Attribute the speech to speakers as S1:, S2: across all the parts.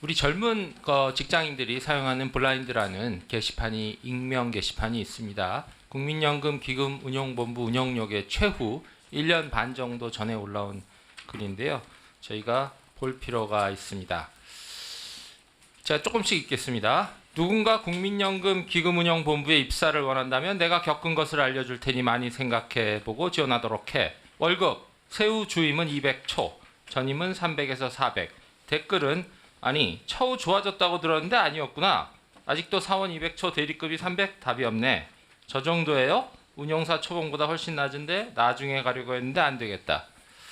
S1: 우리 젊은 직장인들이 사용하는 블라인드라는 게시판이 익명 게시판이 있습니다. 국민연금 기금 운용본부 운영력의 최후 1년 반 정도 전에 올라온 글인데요. 저희가 볼 필요가 있습니다. 자, 조금씩 읽겠습니다. 누군가 국민연금 기금운용본부에 입사를 원한다면 내가 겪은 것을 알려줄 테니 많이 생각해보고 지원하도록 해. 월급, 세후 주임은 200초, 전임은 300에서 400. 댓글은 아니 처우 좋아졌다고 들었는데 아니었구나. 아직도 사원 200초 대리급이 300? 답이 없네. 저 정도예요? 운용사 초봉보다 훨씬 낮은데 나중에 가려고 했는데 안 되겠다.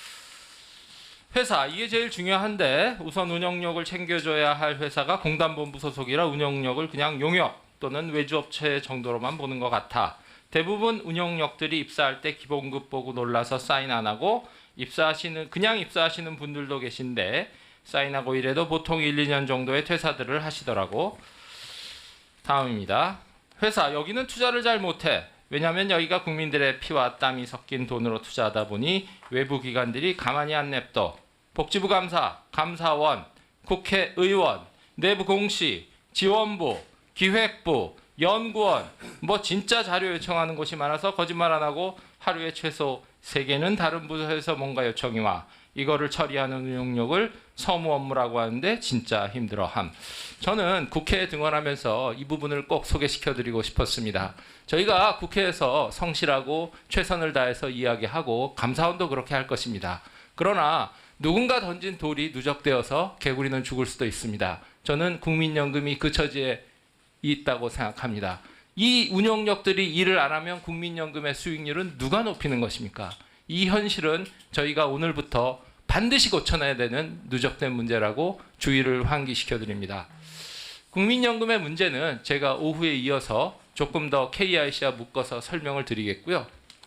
S1: 회사, 이게 제일 중요한데 우선 운영력을 챙겨줘야 할 회사가 공단본부 소속이라 운영력을 그냥 용역 또는 외주업체 정도로만 보는 것 같아. 대부분 운영력들이 입사할 때 기본급 보고 놀라서 사인 안 하고 그냥 입사하시는 분들도 계신데 사인하고 이래도 보통 1, 2년 정도의 퇴사들을 하시더라고. 다음입니다. 회사, 여기는 투자를 잘 못해. 왜냐하면 여기가 국민들의 피와 땀이 섞인 돈으로 투자하다 보니 외부 기관들이 가만히 안 냅둬. 복지부 감사, 감사원, 국회의원, 내부 공시, 지원부, 기획부, 연구원, 뭐 진짜 자료 요청하는 곳이 많아서 거짓말 안 하고 하루에 최소 3개는 다른 부서에서 뭔가 요청이 와. 이거를 처리하는 운용력을 서무 업무라고 하는데 진짜 힘들어함. 저는 국회에 등원하면서 이 부분을 꼭 소개시켜드리고 싶었습니다. 저희가 국회에서 성실하고 최선을 다해서 이야기하고 감사원도 그렇게 할 것입니다. 그러나 누군가 던진 돌이 누적되어서 개구리는 죽을 수도 있습니다. 저는 국민연금이 그 처지에 있다고 생각합니다. 이 운용력들이 일을 안 하면 국민연금의 수익률은 누가 높이는 것입니까? 이 현실은 저희가 오늘부터 반드시 고쳐내야 되는 누적된 문제라고 주의를 환기시켜 드립니다. 국민연금의 문제는 제가 오후에 이어서 조금 더 KIC와 묶어서 설명을 드리겠고요.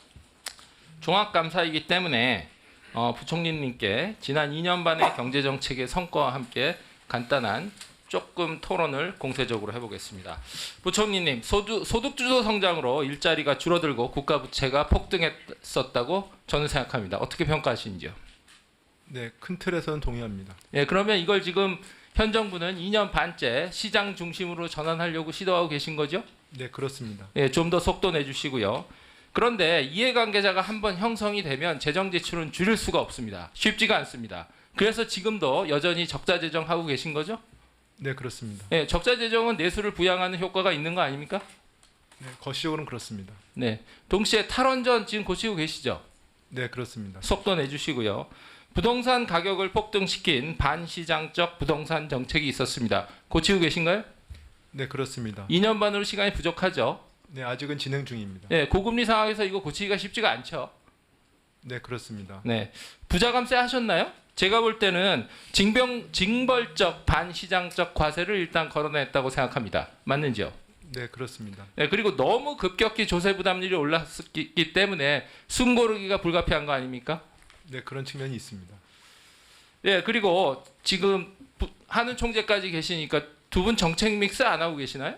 S1: 종합감사이기 때문에 부총리님께 지난 2년 반의 경제정책의 성과와 함께 간단한 조금 토론을 공세적으로 해보겠습니다. 부총리님, 소득주도 성장으로 일자리가 줄어들고 국가 부채가 폭등했었다고 저는 생각합니다. 어떻게 평가하시는지요?
S2: 네, 큰 틀에서는 동의합니다.
S1: 예, 그러면 이걸 지금 현 정부는 2년 반째 시장 중심으로 전환하려고 시도하고 계신 거죠?
S2: 네, 그렇습니다.
S1: 예, 좀 더 속도 내주시고요. 그런데 이해관계자가 한번 형성이 되면 재정 지출은 줄일 수가 없습니다. 쉽지가 않습니다. 그래서 지금도 여전히 적자 재정하고 계신 거죠?
S2: 네, 그렇습니다.
S1: 예, 적자 재정은 내수를 부양하는 효과가 있는 거 아닙니까?
S2: 네, 거시적으로는 그렇습니다.
S1: 네, 동시에 탈원전 지금 고치고 계시죠?
S2: 네, 그렇습니다.
S1: 속도 내주시고요. 부동산 가격을 폭등시킨 반시장적 부동산 정책이 있었습니다. 고치고 계신가요?
S2: 네, 그렇습니다.
S1: 2년 반으로 시간이 부족하죠?
S2: 네, 아직은 진행 중입니다.
S1: 예, 고금리 상황에서 이거 고치기가 쉽지가 않죠?
S2: 네, 그렇습니다.
S1: 네, 부자감세 하셨나요? 제가 볼 때는 징벌적 반시장적 과세를 일단 걸어냈다고 생각합니다. 맞는지요?
S2: 네, 그렇습니다.
S1: 네, 그리고 너무 급격히 조세 부담률이 올랐기 때문에 숨 고르기가 불가피한 거 아닙니까?
S2: 네, 그런 측면이 있습니다.
S1: 네, 그리고 지금 하는 총재까지 계시니까 두 분 정책 믹스 안 하고 계시나요?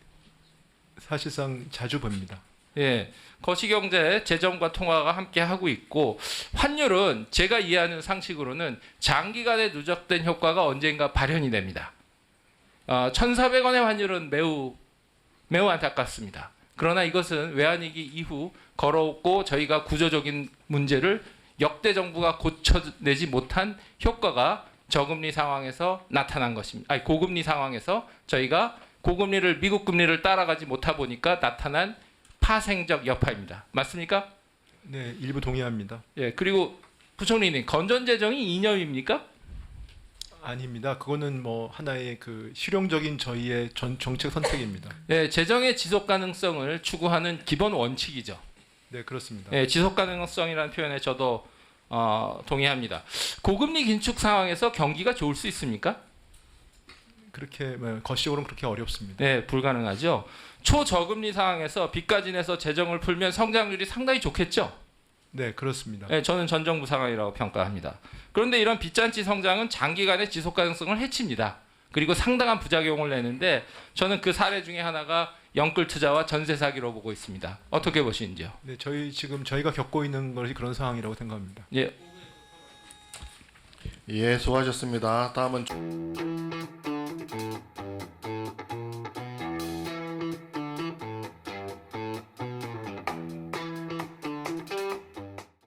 S2: 사실상 자주 봅니다.
S1: 예, 거시경제 재정과 통화가 함께 하고 있고 환율은 제가 이해하는 상식으로는 장기간에 누적된 효과가 언젠가 발현이 됩니다. 1,400원의 환율은 매우 안타깝습니다. 그러나 이것은 외환위기 이후 걸어오고 저희가 구조적인 문제를 역대 정부가 고쳐내지 못한 효과가 저금리 상황에서 나타난 것입니다. 아니, 고금리 상황에서 저희가 고금리를 미국 금리를 따라가지 못하 보니까 나타난 파생적 여파입니다. 맞습니까?
S2: 네, 일부 동의합니다.
S1: 예, 그리고 부총리님, 건전 재정이 이념입니까?
S2: 아닙니다. 그거는 뭐 하나의 그 실용적인 저희의 정책 선택입니다.
S1: 예, 재정의 지속 가능성을 추구하는 기본 원칙이죠.
S2: 네, 그렇습니다.
S1: 예, 지속 가능성이라는 표현에 저도 동의합니다. 고금리 긴축 상황에서 경기가 좋을 수 있습니까?
S2: 그렇게 거시적으로는 그렇게 어렵습니다.
S1: 네, 불가능하죠. 초저금리 상황에서 빚까지 내서 재정을 풀면 성장률이 상당히 좋겠죠.
S2: 네, 그렇습니다.
S1: 네, 저는 전 정부 상황이라고 평가합니다. 그런데 이런 빚잔치 성장은 장기간의 지속 가능성을 해칩니다. 그리고 상당한 부작용을 내는데 저는 그 사례 중에 하나가 영끌 투자와 전세 사기로 보고 있습니다. 어떻게 보시는지요?
S2: 네, 저희가 겪고 있는 것이 그런 상황이라고 생각합니다.
S1: 예.
S3: 예, 수고하셨습니다. 다음은